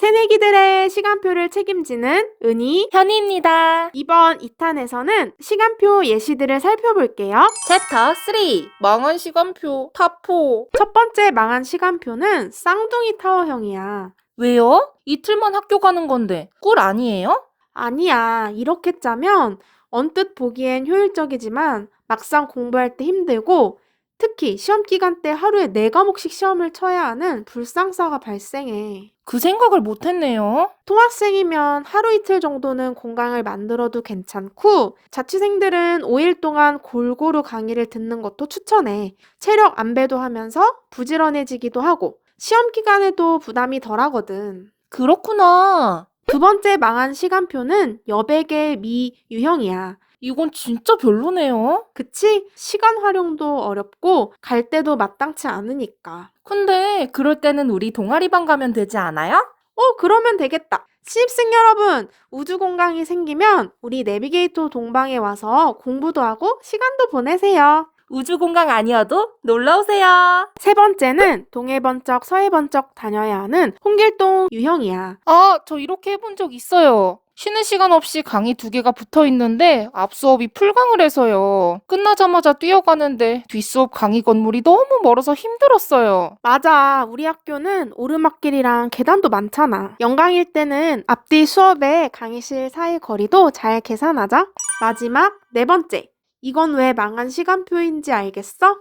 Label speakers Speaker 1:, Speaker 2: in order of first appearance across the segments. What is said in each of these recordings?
Speaker 1: 새내기들의 시간표를 책임지는 은희,
Speaker 2: 현희입니다.
Speaker 1: 이번 2탄에서는 시간표 예시들을 살펴볼게요.
Speaker 2: 챕터 3 망한 시간표 타포.
Speaker 1: 첫 번째 망한 시간표는 쌍둥이 타워형이야.
Speaker 2: 왜요? 이틀만 학교 가는 건데 꿀 아니에요?
Speaker 1: 아니야, 이렇게 짜면 언뜻 보기엔 효율적이지만 막상 공부할 때 힘들고 특히 시험 기간 때 하루에 4과목씩 시험을 쳐야 하는 불상사가 발생해.
Speaker 2: 그 생각을 못했네요.
Speaker 1: 통학생이면 하루 이틀 정도는 공강을 만들어도 괜찮고 자취생들은 5일 동안 골고루 강의를 듣는 것도 추천해. 체력 안배도 하면서 부지런해지기도 하고 시험 기간에도 부담이 덜하거든.
Speaker 2: 그렇구나.
Speaker 1: 두 번째 망한 시간표는 여백의 미 유형이야.
Speaker 2: 이건 진짜 별로네요.
Speaker 1: 그치? 시간 활용도 어렵고 갈 때도 마땅치 않으니까.
Speaker 2: 근데 그럴 때는 우리 동아리반 가면 되지 않아요?
Speaker 1: 그러면 되겠다. 신입생 여러분, 우주공강이 생기면 우리 내비게이터 동방에 와서 공부도 하고 시간도 보내세요.
Speaker 2: 우주공강 아니어도 놀러오세요.
Speaker 1: 세 번째는 동해 번쩍 서해 번쩍 다녀야 하는 홍길동 유형이야.
Speaker 2: 저 이렇게 해본 적 있어요. 쉬는 시간 없이 강의 2개가 붙어 있는데 앞 수업이 풀강을 해서요. 끝나자마자 뛰어가는데 뒷수업 강의 건물이 너무 멀어서 힘들었어요.
Speaker 1: 맞아. 우리 학교는 오르막길이랑 계단도 많잖아. 연강일 때는 앞뒤 수업에 강의실 사이 거리도 잘 계산하자. 마지막 네 번째. 이건 왜 망한 시간표인지 알겠어?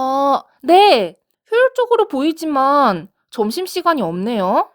Speaker 2: 네. 효율적으로 보이지만 점심시간이 없네요.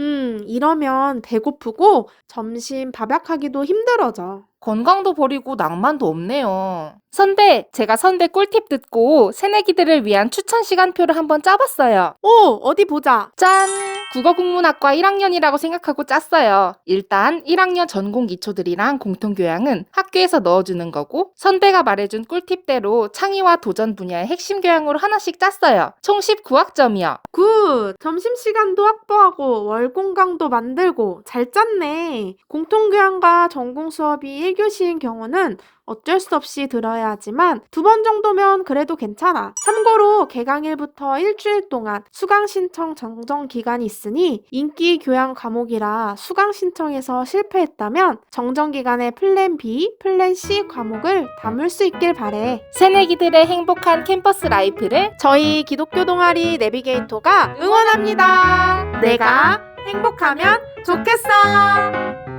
Speaker 1: 이러면 배고프고 점심 밥약하기도 힘들어져.
Speaker 2: 건강도 버리고 낭만도 없네요. 선배, 제가 선배 꿀팁 듣고 새내기들을 위한 추천 시간표를 한번 짜봤어요.
Speaker 1: 어디 보자.
Speaker 2: 짠! 국어국문학과 1학년이라고 생각하고 짰어요. 일단 1학년 전공 기초들이랑 공통교양은 학교에서 넣어주는 거고 선배가 말해준 꿀팁대로 창의와 도전 분야의 핵심 교양으로 하나씩 짰어요. 총 19학점이요.
Speaker 1: 굿! 점심시간도 확보하고 월공강도 만들고 잘 짰네. 공통교양과 전공 수업이 1교시인 경우는 어쩔 수 없이 들어야 하지만 2번 정도면 그래도 괜찮아. 참고로 개강일부터 일주일 동안 수강 신청 정정 기간이 있으니 인기 교양 과목이라 수강 신청에서 실패했다면 정정 기간에 플랜 B, 플랜 C 과목을 담을 수 있길 바래.
Speaker 2: 새내기들의 행복한 캠퍼스 라이프를
Speaker 1: 저희 기독교 동아리 내비게이터가 응원합니다. 내가 행복하면 좋겠어.